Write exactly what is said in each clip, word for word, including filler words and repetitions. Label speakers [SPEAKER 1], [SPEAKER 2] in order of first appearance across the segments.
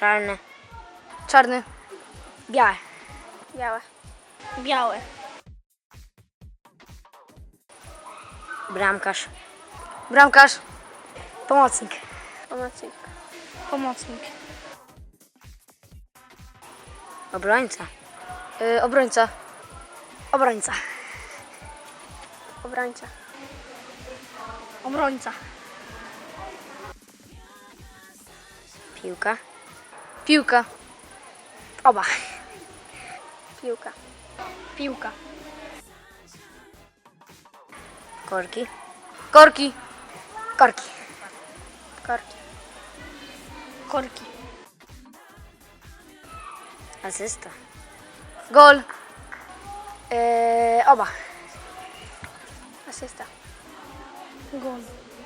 [SPEAKER 1] Czarny.
[SPEAKER 2] Czarny.
[SPEAKER 1] Białe.
[SPEAKER 3] Białe.
[SPEAKER 2] Białe.
[SPEAKER 1] Bramkarz.
[SPEAKER 2] Bramkarz. Pomocnik.
[SPEAKER 3] Pomocnik.
[SPEAKER 2] Pomocnik.
[SPEAKER 1] Obrońca.
[SPEAKER 2] Yy, obrońca. Obrońca.
[SPEAKER 3] Obrońca.
[SPEAKER 2] Obrońca.
[SPEAKER 1] Piłka.
[SPEAKER 2] Piłka. Oba.
[SPEAKER 3] Piłka.
[SPEAKER 2] Piłka.
[SPEAKER 1] Korki.
[SPEAKER 2] Korki. Korki.
[SPEAKER 3] Korki.
[SPEAKER 2] Korki.
[SPEAKER 1] Asysta.
[SPEAKER 2] Gol. Yy, oba.
[SPEAKER 3] Asysta.
[SPEAKER 2] Gol.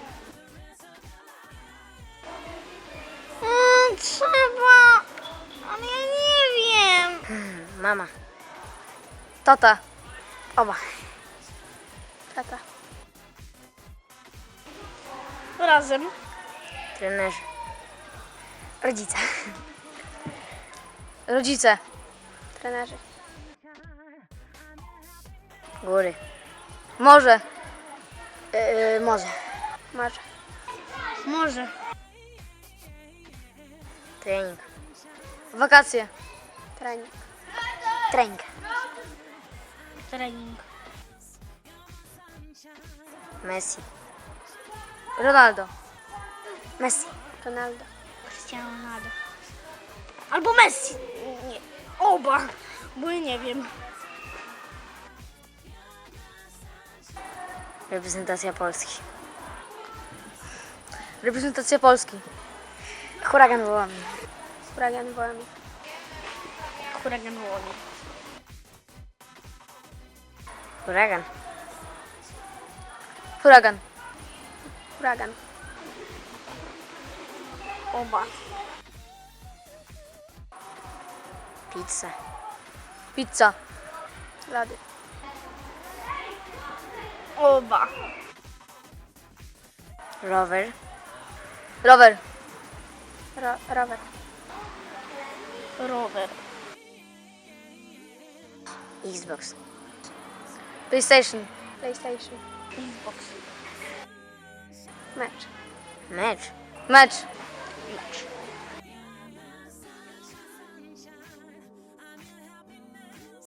[SPEAKER 1] Mm, trzeba. Ale ja nie wiem. Mama.
[SPEAKER 2] Tata. Oba.
[SPEAKER 3] Tata.
[SPEAKER 2] Razem.
[SPEAKER 1] Trenerzy.
[SPEAKER 2] Rodzice. Rodzice.
[SPEAKER 3] Trenerzy.
[SPEAKER 1] Góry.
[SPEAKER 2] Morze. Yy, morze.
[SPEAKER 3] Morze.
[SPEAKER 2] Morze.
[SPEAKER 1] Trening.
[SPEAKER 2] Wakacje.
[SPEAKER 3] Trening.
[SPEAKER 1] Trening.
[SPEAKER 2] Trening.
[SPEAKER 1] Messi.
[SPEAKER 2] Ronaldo.
[SPEAKER 1] Messi.
[SPEAKER 3] Ronaldo.
[SPEAKER 2] Cristiano Ronaldo. Albo Messi. Nie. Oba. Bo ja nie wiem.
[SPEAKER 1] Reprezentacja Polski.
[SPEAKER 2] Reprezentacja Polski.
[SPEAKER 1] Huragan Wołomin.
[SPEAKER 3] Huragan Wołomin.
[SPEAKER 2] Huragan Wołomin.
[SPEAKER 1] Huragan.
[SPEAKER 2] Huragan.
[SPEAKER 3] Huragan.
[SPEAKER 2] Oba.
[SPEAKER 1] Pizza.
[SPEAKER 2] Pizza.
[SPEAKER 3] Lody.
[SPEAKER 2] Oba.
[SPEAKER 1] Rower.
[SPEAKER 2] Rower.
[SPEAKER 3] Ro rower.
[SPEAKER 2] Rower.
[SPEAKER 1] Xbox.
[SPEAKER 2] PlayStation.
[SPEAKER 3] PlayStation.
[SPEAKER 2] Xbox.
[SPEAKER 3] Mecz.
[SPEAKER 1] Mecz.
[SPEAKER 2] Mecz.
[SPEAKER 1] Mecz.